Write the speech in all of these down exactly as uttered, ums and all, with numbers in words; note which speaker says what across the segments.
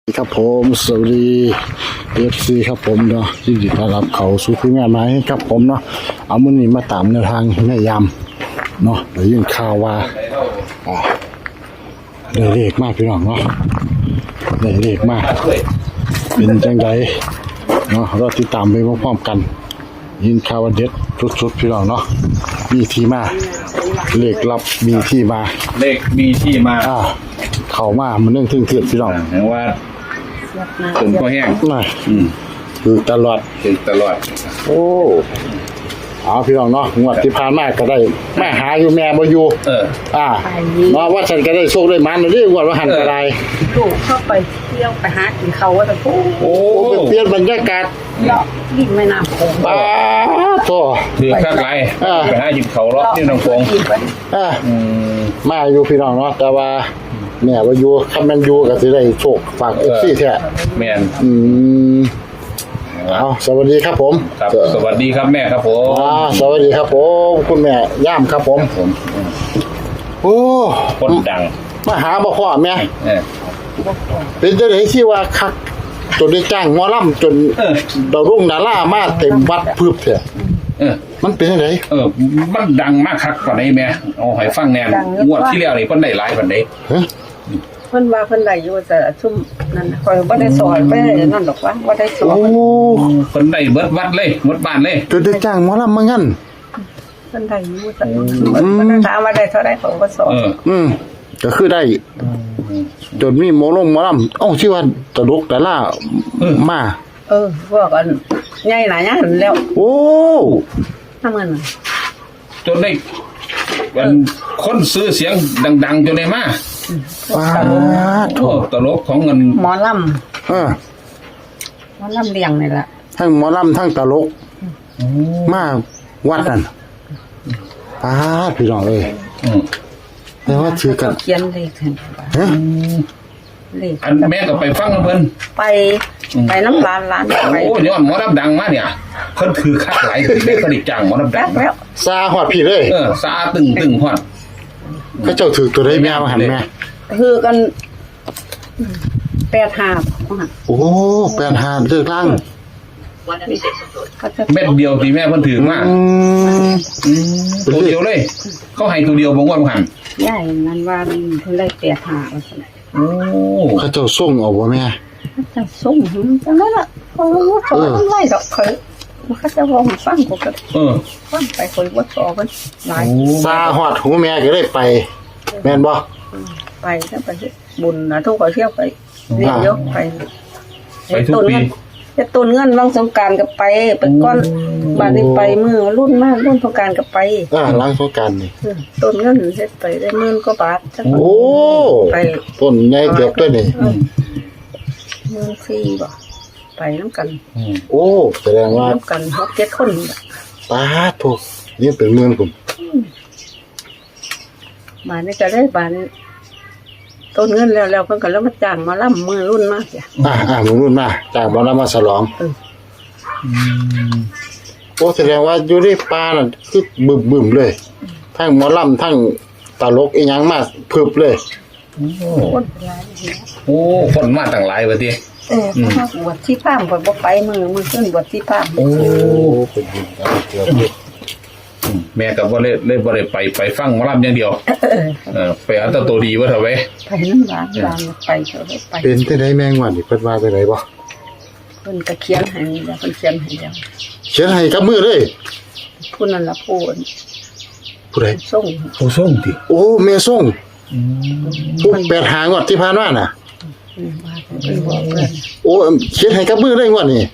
Speaker 1: ครับผมสวัสดีเอฟซีครับผมเนาะยินดีต้อนรับเขาสู่คุยงานไม้ครับผมเนาะเอามื้อนี้มาตามแนวทางแม่ยำเนาะได้ยินข่าวว่าอ่าได้เลขมากพี่น้องเนาะได้เลขมากเป็นจังไดเนาะเราติดตามไปพร้อมๆกันยินข่าวว่าเด็ดสุดๆพี่น้องเนาะมีที่มาเลขลับมีที่มา
Speaker 2: เลขมีที่มา
Speaker 1: อ่าเข้ามามันเรื่องทึ่งเถื่อนพี่น้อง
Speaker 2: แปลว่าถึงก็แห้ง
Speaker 1: น่ะ
Speaker 2: อืม
Speaker 1: คือตลอด
Speaker 2: ถึงตลอด
Speaker 1: โอ้เอาพี่น้องเนาะงวดที่ผ่านมาก็ได้แม่หาอยู่แม่บ่อยู่
Speaker 2: เออ
Speaker 1: อ่าเนาะว่าฉันก็ได้โชคได้มันเด้งวดว่าหันก็ได้
Speaker 3: ลูกเข้าไปเที่ยวไปหากินเขาว่าแต่ปุ๊บ
Speaker 1: โอ้ไปเปลี่ยนบรรยากาศ
Speaker 3: เลาะยิ่งแม่น้ำโขง
Speaker 1: ป้าโต
Speaker 2: ถือข้างไร
Speaker 1: เออ
Speaker 2: ไปหาหยิบเขาล็อกที่น้องฟง
Speaker 3: กินไป
Speaker 1: อ่า
Speaker 2: อืม
Speaker 1: มาอยู่พี่น้องเนาะแต่ว่าแม่บ่อยู่คันแม่นอยู่ก็สิได้โชคฝาก เอฟ ซี แท้
Speaker 2: แมน
Speaker 1: อืมเอาสวัสดีครับผม
Speaker 2: ครับสวัสดีครับแม่ครับผม
Speaker 1: อ่าสวัสดีครับผมคุณแม่ย่ามครับผม
Speaker 2: ผม
Speaker 1: โอ้
Speaker 2: คนดัง
Speaker 1: มาหาบ่พ่อแม่
Speaker 2: เออ
Speaker 1: เป็นจังได๋ที่ว่าคักจนได้จ้างหมอลำจน
Speaker 2: เออ
Speaker 1: ดาวรุ่งดารามาเต็มวัดพึบแท้
Speaker 2: เออ
Speaker 1: มันเป็นจังได๋
Speaker 2: เออมันดังมากครับกว่านี้แม่เอาให้ฟังแน่งวดที่แล้วนี่เพิ่นได้หลายปานใด
Speaker 1: ฮะ
Speaker 3: เพิ่นว่าเพิ่นได้อยู่แต่ชุ่มนั่นน่ะคอยบ่ได้สอนไปนั่นดอกว่าบ่ได้สอ
Speaker 1: โอ้
Speaker 3: น
Speaker 2: เพิ่นได้เบิดวัดเลยเบิดบ้านเลย
Speaker 1: จนได้จ้างหมอลำมางั้น
Speaker 3: เพิ่นได้อยู่แต่เพิ่นถามว่าได้เท่าใดเขาบ่สอน
Speaker 2: เออ
Speaker 1: อืมก็คือได้จนมีหมอลงหมอลำเอ้าที่ว่าตลกดารามา
Speaker 3: เออพวกอันใหญ่หลายอย่างแล้ว
Speaker 1: โอ้
Speaker 3: ทำเงินน่ะ
Speaker 2: จนได้มันคนซื้อเสียงดังๆจนได้มา
Speaker 1: ป้าดโถ
Speaker 2: โอ้ตลกของเงิน
Speaker 3: หมอลำ
Speaker 1: เออ
Speaker 3: หมอลำเลี้ยงนี่ล่ะ
Speaker 1: ทั้งหมอลำทั้งตลกมาวัดนั่นป้าดพี่น้องเอ้ย
Speaker 2: อืม
Speaker 1: แต่ว่าถือกัน
Speaker 3: เขียนเลขให้
Speaker 1: ฮะ
Speaker 3: เลข
Speaker 2: อันแม่ก็ไปฟังกับเพิ่น
Speaker 3: ไปไปน้ำร้านร้านไป
Speaker 2: โอ้ย้อนหมอรับดังมาเนี่ยเพิ่นถือคักหลายแม่ก็ได้จ้างหมอรับดั
Speaker 3: แป๊
Speaker 2: ง
Speaker 3: บแล้ว
Speaker 1: ซาฮอดพี่เลย
Speaker 2: เออซาตึงตึงฮอด
Speaker 1: เขาเจ้าถือตัวได้แม่มาหันแม่
Speaker 3: คือกันแปดหาบ
Speaker 1: โอ้แปดหาเลือกล่าง
Speaker 3: ก็จะ
Speaker 2: เม็ดเดียวที่แม่เพิ่นถือมา
Speaker 1: อืม
Speaker 2: อืมตัวเดียวเลย เขาให้ตัวเดียวบ่งว่าบ่หัน
Speaker 3: ใหญ่นั้นว่ามันเพิ่นได้แปดหาว่าซั่น
Speaker 2: โอ้
Speaker 1: เขาเจ้าส่งเอาบ่แม่
Speaker 3: จะส่งหึจังนั้นล่ะเขาบ่สอนมันไล่ดอกเขามันก็จะวองฟังกูก็
Speaker 2: เออ
Speaker 3: ฟังไปคนบ่สอนมันหลาย
Speaker 2: โอ้
Speaker 1: ซาฮอดหูแม่ก็ได้ไป แม่นบ่
Speaker 3: ไปแล้วไปบุญนะทุกคนเที่ยวไปเรียนยกไป
Speaker 2: ไปทุกปี
Speaker 3: จะต้นเงินวังสงกรานต์ก็ไปไปก้อนบาดนี้ไปมือรุ่นมากรุ่นสงกรานต์ก็ไป
Speaker 1: อ่าล้างสงกรานต์นี่
Speaker 3: ต้นเงินเฮ็ดไปได้หมื่นกว่าบาทจัง
Speaker 1: โอ้
Speaker 3: ไป
Speaker 1: ต้นใหญ่เก็บด้วยนี่
Speaker 3: หมื่นสี่บ่ไปน้ำกัน
Speaker 2: อืม
Speaker 1: โอ้แสดงว่า
Speaker 3: น้ำกันหกเจ็ดคนนี่ล่ะ
Speaker 1: ตาถูกนี่เป็นเมืองผม
Speaker 3: บาทนี้จะได้บาทนี้ต้นเงินแล้วแล้วเพิ่นก็แล้วมาจ้างมาล่ำมือรุ่นมากจ้ะ
Speaker 1: อ่าอ่ามึงรุ่นมาจากบ่นำมาฉลอง
Speaker 2: อืม
Speaker 1: โอ้แสดงว่าอยู่ในป่านั่นคือบึ้มๆเลย ทั้งหมอลำทั้งตลกอีหยังมาพึบเลย
Speaker 2: โอ้
Speaker 3: คนหลายนี่
Speaker 2: โอ้คนมาตั้งหลายว่าติ
Speaker 3: เออเพราะว่าบวชที่พามข่อยบ่ไปมือมือขึ้นบวชที่พาม
Speaker 2: โอ้
Speaker 1: เป็นบุญกันเกือบเลย
Speaker 2: แม่ก็บ่ได้เลยบ่ได้ไปไปฟังหมอลำอย่างเดียว
Speaker 3: เออ
Speaker 2: เออไปเอาแต่ตัวดีว่าเถอะเว้ย
Speaker 3: ไปน้ำร้านร้านไปเถอะไป
Speaker 1: เป็นจังได๋แมงวันนี่เพิ่นว่าจังไดบ่
Speaker 3: เพิ่นก็เขียนให้แล้วเพิ่นเขียนให้แล้ว
Speaker 1: เขียนให้กับมือเลย
Speaker 3: ผู้นั้นละผู้
Speaker 1: ผู้ใด
Speaker 3: ส่ง
Speaker 2: ผู้ส่งติ
Speaker 1: โอ้แม่ส่งผู้แปดหางวดที่ผ่านมาน่ะ
Speaker 3: อืมว่าเพิ่นบอกเพิ่น
Speaker 1: โอ้เขียนให้กับมือเลยงวดนี้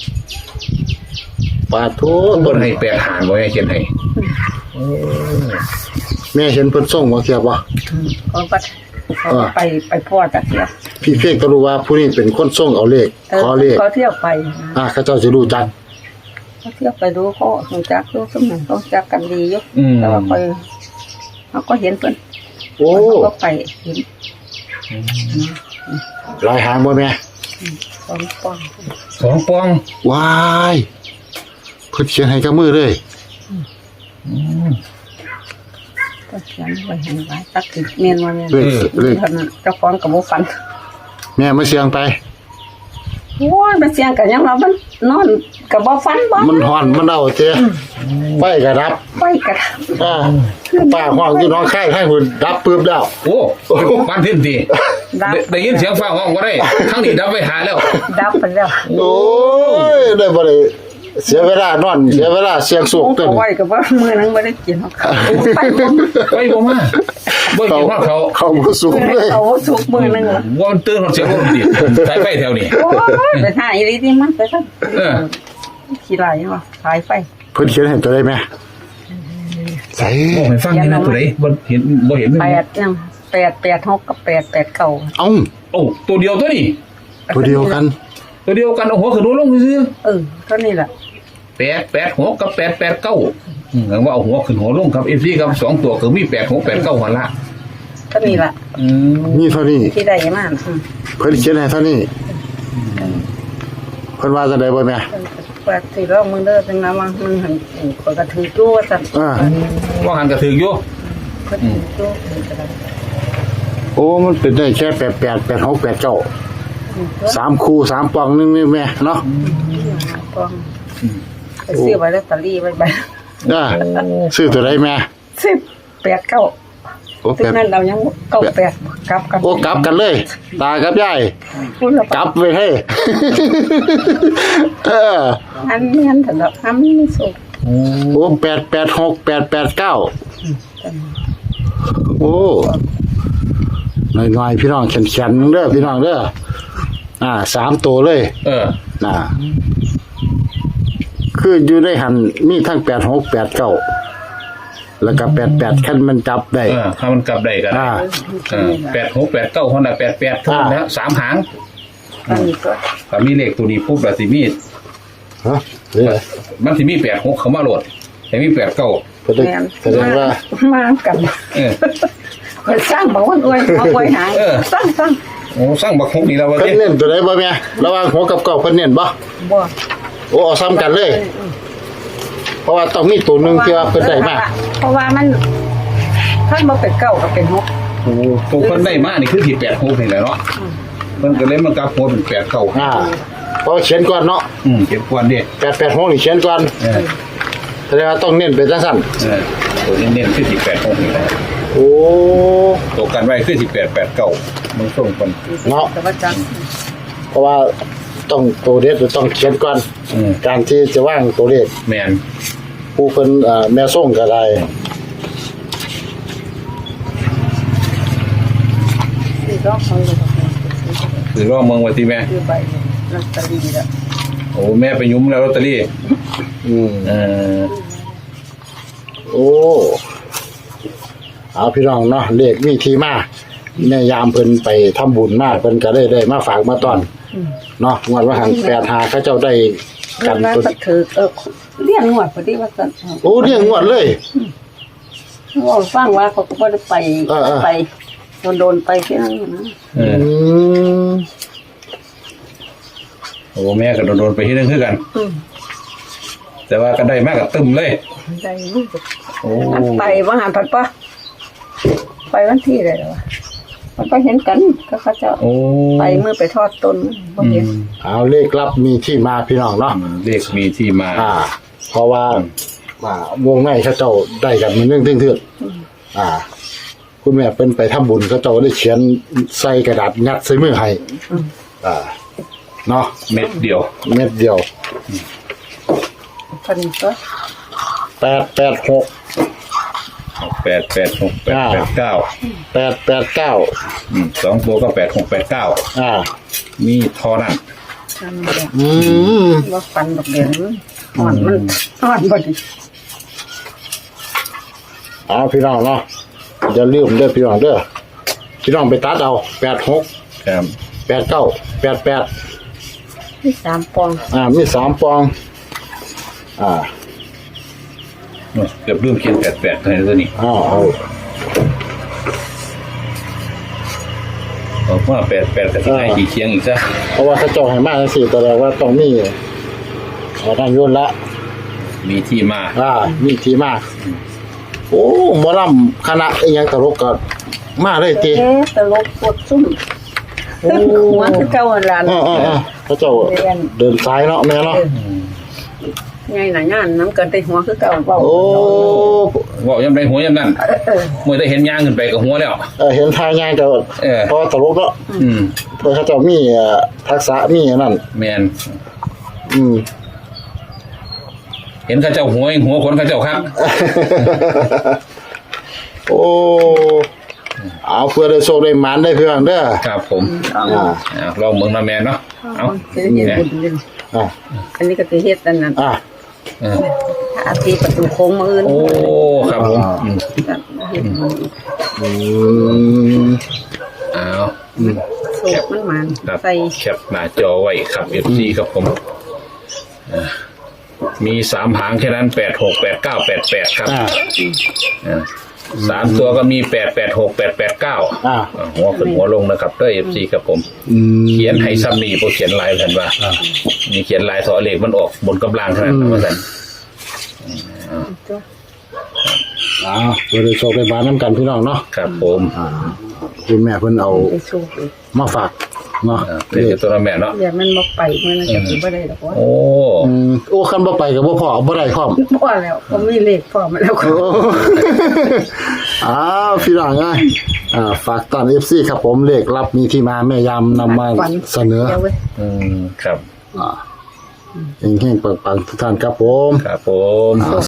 Speaker 1: ปาโท
Speaker 2: เพิ่นให้แปดหางบ่ให้เขียนให้โอ้
Speaker 1: แม่เห็นเพิ่นส่งบ่เทียบบ่
Speaker 3: เขาก็เขาก็ไปไปพ่อจักเที่ยว
Speaker 1: พี่เพียงก็รู้ว่าผู้นี้เป็นคนส่งเอาเลข
Speaker 3: เออ
Speaker 1: ขอเลข
Speaker 3: เขาเที่ยวไป
Speaker 1: อ่าเขาเจ้าสิรู้จัก
Speaker 3: เขาเที่ยวไปดูเขารู้จักดูสมองเขาจักกันดีอยู่
Speaker 2: อืม
Speaker 3: แต่ว่าคอยเขาก็เห็นเพิ่น
Speaker 1: โอ้
Speaker 3: เขาก็ไปเห็น
Speaker 1: หลายหางบ่แม่
Speaker 3: สองปอง
Speaker 2: สองปอง
Speaker 1: ว้ายเพิ่นเขียนให้กับมือเลย
Speaker 2: อืม
Speaker 3: ก็เขียนไว้เห็นไว้ตักติดเมียนว่าเมียน
Speaker 1: เลขเลข
Speaker 3: เท่านั้นเจ้าของกับบ่ฟัน
Speaker 1: แม่มาเสียงไป
Speaker 3: โอ้ยมันเสียงกันยังว่ามันนอนกับบ่ฟันบ่
Speaker 1: มันฮ้อนมันเอาเจ้ไฟก็ดับ
Speaker 3: ไปกระ
Speaker 1: อ่าป้าห้องอยู่น้องไข่ให้หุ่นดับปึ๊บแล้ว
Speaker 2: โอ้บ้านเพิ่นดีได้ได้ยินเสียงฟ้าห้องบ่ได้ทั้งนี้ดับไปหาแล้ว
Speaker 3: ดับไปแล้ว
Speaker 1: โอ้ยได้บ่ได้เสียเวลานอนเสียเวลาเสียงสูกตัว
Speaker 3: เอา
Speaker 1: นี้
Speaker 3: ไว้กับว่ามื้อนั้นบ่ได้กินหรอกค่ะไปบ่
Speaker 2: ไปบ่มาบ่กินว่าเขา
Speaker 1: เขาบ่สูงเลย
Speaker 3: เอาสุกมื้อนึงล่ะ
Speaker 2: ว่ามันตื่นเสียงบ่ดีสายไฟแถวนี้
Speaker 3: โอ้ยไปหาอีหลีที่มันไปซะ
Speaker 2: เออ
Speaker 3: ขี้ลายว่ะสายไฟ
Speaker 1: เพิ่นเขียนให้ตัวได้ไหมใส่
Speaker 2: บอกให้ฟังนี่นะตัวไหนบ่เห็นบ่เห็น
Speaker 3: แปดยังแปดแปดหกกับแปดแปดเก้า
Speaker 1: เอ้า
Speaker 2: โอ้ตัวเดียวตัวนี้
Speaker 1: ตัวเดียวกัน
Speaker 2: ตัวเดียวกันเอาหัวขึ้นหัวลงซื่อ
Speaker 3: เออเท่านี้แหละ
Speaker 2: แปดแปดหกกับแปดแปดเก้าอืมว่าเอาหัวขึ้นหัวลงครับ เอฟ ซี ครับสองตัวคือมีแปดหกแปดเก้าหัวละ
Speaker 3: เท่านี้แหละ
Speaker 2: อืม
Speaker 1: นี่เท่านี้
Speaker 3: ที่ได้มาอืม
Speaker 1: เพิ่นเขียนให้เท่านี้เพิ่นว่าจะได้บ่แม่
Speaker 3: เปิดสิรอบมึงเด้อจังนะว่ามันหันข่อยก็ถือจู้ว่าซั่น
Speaker 1: อ่า
Speaker 2: ว่าหันกระถืออยู่
Speaker 3: เพิ่นถือจู้เพิ่นก็ได้
Speaker 1: โอ้มันเป็นได้แค่แปดแปด แปดหก แปดเก้า
Speaker 3: อืมตัว
Speaker 1: สามคู่สามปองนึงนี่แม่เนาะ
Speaker 3: กองไปซื้อไว้ลอตเตอรี่ไว้ใบ
Speaker 1: อ่าซื้อตัวใดแม่
Speaker 3: สิบแปดเก้า
Speaker 1: โอ้
Speaker 3: ถึ
Speaker 1: แป
Speaker 3: ง
Speaker 1: ด
Speaker 3: นั้นเรายังเก้าแปดกลับกัน
Speaker 1: โอ้กลับกันเลย ตากับยาย
Speaker 3: พูดแล้ว
Speaker 1: กลับไว้ให้ เออ
Speaker 3: อันเมียนเถอะเนาะอันนี้ไม่สุก
Speaker 1: โอ้แปดแปดหกแปดแปดเก้าโอ้หน่อยๆพี่น้องแข็งๆเด้อพี่น้องเด้ออ่าสามตัวเลย
Speaker 2: เออ
Speaker 1: น่ะคืออยู่ในหันมีทั้งแปดหกแปดเก้าแล้วก็แปดแปดขั้นมันจับได้
Speaker 2: เออถ้ามันกลับได้กัน
Speaker 1: อ่า
Speaker 2: แปดหกแปดเก้าคนละแปดแปดเท่านั้นแล้วสามหาง
Speaker 3: อันนี้ก็
Speaker 2: ถ้ามีเลขตัวนี้ปุ๊บแล้วสิมี
Speaker 1: ฮะเรื่องอะไร
Speaker 2: มันสิมีแปดหกเขามาโหลดแต่มีแปดเก้า
Speaker 1: แสดง
Speaker 3: แม่น
Speaker 1: แสดงว่า
Speaker 3: มากัน
Speaker 2: เออ
Speaker 3: เพิ่นสร้างบอกว่าอวยเอาไว้หาง
Speaker 2: เออ
Speaker 3: สร้างสร้าง
Speaker 2: โอ้สร้างบักหกนี่แล้ววะ
Speaker 1: เพิ่น
Speaker 2: เนี่ย
Speaker 1: เน้นตัวใดบ่แม่ระหว่างหัวกับเก้าเพิ่นเน้นบ่
Speaker 3: บ่
Speaker 1: โอ้เอาซ้ำกันเลย เพราะว่าต้องมีตัวหนึงที่ว่าเพิ่นได้มา
Speaker 3: เพราะว่ามันท่านบ่เป็นเก้าก็เป็นหก
Speaker 2: โอ้ตัวคนได้มานี่คือที่แปดหกนี่แหละเนาะมันก็เลยมันกลับหัวเป็นแปดเก้า
Speaker 1: อ่าเพราะเขียนก่อนเนาะ
Speaker 2: อืมเก็บควันดิ
Speaker 1: แปดแปดหกนี่เขียนก่อน
Speaker 2: เออ
Speaker 1: แสดงว่าต้องเน้นเป็นจังซั่น
Speaker 2: เออตัวเน้นๆคือที่แปดหกนี่แหละ
Speaker 1: โอ้
Speaker 2: ตัวกันไว้คือที่แปดแปดเก้ามันส่งคน
Speaker 1: เนาะ
Speaker 3: แต่ว่าจัง
Speaker 1: เพราะว่าต้องตัวเลขต้องเขียนก่อน
Speaker 2: อืม
Speaker 1: การที่จะวางตัวเลข
Speaker 2: แมน
Speaker 1: ผู้เพิ่นเอ่อแม่ส่งก็ได้
Speaker 3: สี่รอบของลูก
Speaker 2: คือรอบเมืองไว้ที่แม่
Speaker 3: คือใบลอตเตอรี่แล้ว
Speaker 2: โอ้แม่ไปยุ้มแล้วลอตเตอรี่
Speaker 1: อืม
Speaker 2: เออ
Speaker 1: โอ้เอาพี่น้องเนาะเลขมีที่มาในยามเพิ่นไปทำบุญมาเพิ่นก็ได้ได้มาฝากมาตอนเนาะงวดว่าหันแปดหาเขาเจ้าได้
Speaker 3: กั
Speaker 1: กัน น
Speaker 3: ตั
Speaker 1: ตัว ว
Speaker 3: ถือเออเลี้ยงงวดพอดีว่าซั่น
Speaker 1: โอ้เรียงงวดเลย
Speaker 3: ว่าฟังว่าเขาก็บ่ได้ไป
Speaker 1: เออเออ
Speaker 3: ไปโดนๆไปที่นั่นนะ
Speaker 2: เอ
Speaker 1: อื
Speaker 2: อ
Speaker 1: ม
Speaker 2: โอ้แม่ก็โดนๆไปที่นึงคือกัน
Speaker 3: อืม
Speaker 2: แต่ว่าก็ได้มากกับตึมเลย
Speaker 3: ได้รู้สึก
Speaker 2: โอ้
Speaker 3: อันไปว่าหาผัดปะไปวันที่เลยเหรอวะมันก็เห็นกันก็เขาเจะ
Speaker 2: โอ้
Speaker 3: ไปเมื่อไปทอดต้นบ่
Speaker 2: อื
Speaker 3: เห็น
Speaker 2: ม
Speaker 1: เอาเลขลับมีที่มาพี่น้องเนาะ
Speaker 2: เลขมีที่มา
Speaker 1: อ่า เพราะว่าอ่าวงในเขาเจ้าได้กันมันเรื่องเทื่อนๆอ่า คุณแม่เป็นไปทำบุญเขาเจ้าได้เขียนใส่กระดาษยัดใส่มือให้อ่าเนาะ
Speaker 2: เม็ดเดียว
Speaker 1: เม็ดเดียว
Speaker 3: พันก็
Speaker 1: แปดแปดหก
Speaker 2: แปดแปดหกแปดแปดเก้า
Speaker 1: แปดแปดเก้า
Speaker 2: อืมสองตัวก็แปดหกแปดเก้า
Speaker 1: อ่า
Speaker 2: มีทอนั่น
Speaker 3: ทำแบบ
Speaker 1: อืม
Speaker 3: ว่าฟันดอกเดียวมันอ่อนมันอ่อนพอดี
Speaker 1: เอาพี่น้องเนาะอย่าลืมเด้อพี่น้องเด้อพี่น้องไปตัดเอาแปดหก
Speaker 2: ครับ
Speaker 1: แปดเก้าแปดแปด
Speaker 3: ที่สามปอง
Speaker 1: อ่ามีสามปอง อ่า
Speaker 2: เกือบลืมเขียนแปดแปดเลยตัวนี้
Speaker 1: อ้าวเอา
Speaker 2: เอาว่าแปดแปดแต่ที่ไหนกี่เคียงอีกซะ
Speaker 1: เพราะว่าเขาเจ้าให้มาจังซี่แสดงว่าต้องมีเอาด้านยนต์ละ
Speaker 2: มีที่มา
Speaker 1: อ่า มีที่มาโอ้หมอลำคณะอีหยังตลกก็มาเลยติ
Speaker 3: เอ๊ะตลกปวดซุ่มหัวคือเก่าหั่นล่ะ
Speaker 1: อ่าอ่าอ่าพระเจ้าเดินซ้ายเนาะแม่เนาะ
Speaker 3: ไงน่ะงานน้ำเกินแต่หัวคือเก่าเว้า
Speaker 1: โอ้
Speaker 2: บอกยังไงหัวยังนั่นเมื่อได้เห็นย่างขึ้นไปกับหัวแล้ว
Speaker 1: เออเห็นทางย่างก็
Speaker 2: เออ
Speaker 1: เพราะตลกเนาะ
Speaker 2: อืม
Speaker 1: เพื่อเขาเจ้ามีเอ่อทักษะมีอันนั่น
Speaker 2: แมน
Speaker 1: อืม
Speaker 2: เห็นเข้าเจ้าหัวหัวคนเข้าเจ้าครับ
Speaker 1: โอ้เอาเพื่อได้โชคได้หมานได้เพื่อนเด้อ
Speaker 2: ครับผม
Speaker 1: อ่า
Speaker 2: อ่าลองเมืองนาแมนเนาะเอา
Speaker 3: สิเฮ็ดบุญเด้อ
Speaker 1: อ่า
Speaker 3: อันนี้ก็สิเฮ็ดอันนั้น
Speaker 1: อ่า
Speaker 2: เออ
Speaker 3: ถ้าอาทิตย์ประตูโค้งมื้ออื่น
Speaker 2: โอ้ครับผมอืม
Speaker 3: เฮ็ดบุญ
Speaker 1: อืม
Speaker 2: เอา
Speaker 3: โชคมันมัน
Speaker 2: ครับ
Speaker 3: ใส่
Speaker 2: แคปหน้าจอไว้ครับเอฟซีครับผมอ่ามีสามหางแค่นั้นแปดหกแปดเก้าแปดแปดครับ
Speaker 1: อ่า
Speaker 2: อ่าสามตัวก็มีแปดแปดหกแปดแปดเก้า
Speaker 1: อ่า
Speaker 2: หัวขึ้นหัวลงนะครับด้วยเอฟซีครับผม
Speaker 1: อืม
Speaker 2: เขียนให้ซ้ำนี่พอเขียนลายเห็นว่า
Speaker 1: อ่า
Speaker 2: มีเขียนลายสอเหล็กมันออกบนกำลังขนาดนั้นว่าสัน
Speaker 3: ตัว
Speaker 1: อ่าเพื่อได้โชคได้หมานน้ำกันพี่น้องเนาะ
Speaker 2: ครับผม
Speaker 1: อ่าคุณแม่เพิ่นเอา
Speaker 3: ไปโชคอีก
Speaker 1: มาฝากเนาะ
Speaker 2: อ่าเป็นตัวละแม่เนาะ
Speaker 3: อย่ามันบ่ไปมื้อนั้นก็สิบ่ได้ดอกว่า
Speaker 2: โอ้
Speaker 1: อืมโอ้คันบ่ไปกับบ่พอบ่ได้พร้อม
Speaker 3: พอแล้วบ่มีเลขพอมาแล้วก็
Speaker 1: โอ้อ้าวพี่น้องเอ้ยอ่าฝากตอน เอฟ ซี ครับผมเลขรับมีที่มาแม่ยามนำมาเสนอ
Speaker 3: เดี๋ยวเว้ย
Speaker 2: อืมครับ
Speaker 1: อ่าเฮงๆปังๆทุกท่านครับผม
Speaker 2: ครับผม